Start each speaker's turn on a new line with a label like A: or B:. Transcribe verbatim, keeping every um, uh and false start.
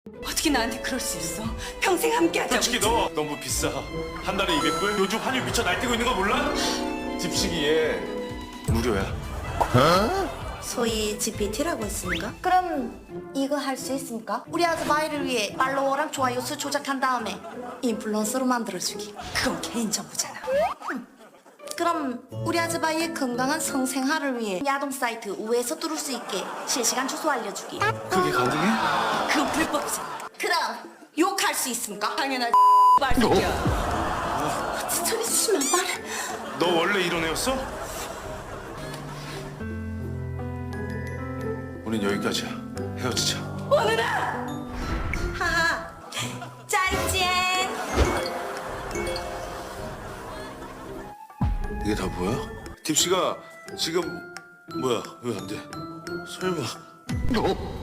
A: 어떻게 나한테 그럴 수 있어? 평생 함께하자고.
B: 솔직히 너 너무 비싸. 한 달에 이백 불? 요즘 환율 미쳐 날뛰고 있는 거 몰라? 집시기에 무료야.
C: 소위 지피티라고 했습니까?
D: 그럼 이거 할 수 있습니까? 우리 아즈바이를 위해 팔로워랑 좋아요 수 조작한 다음에 인플루언서로 만들어주기.
A: 그건 개인정보잖아.
D: 그럼 우리 아즈바이의 건강한 성생활을 위해 야동 사이트 우에서 뚫을 수 있게 실시간 주소 알려주기.
B: 그게 가능해?
A: 그건 불법이잖아.
D: 그럼 욕할 수 있습니까?
A: 당연하지. 말새끼야.
D: 소리 치면 말해.
B: 너 원래 이런 애였어? 우린 여기까지야. 헤어지자.
A: 오늘아.
D: 하하. 짜이젠.
B: 이게 다 뭐야? 딥시가 지금 뭐야? 왜 안 돼? 설마?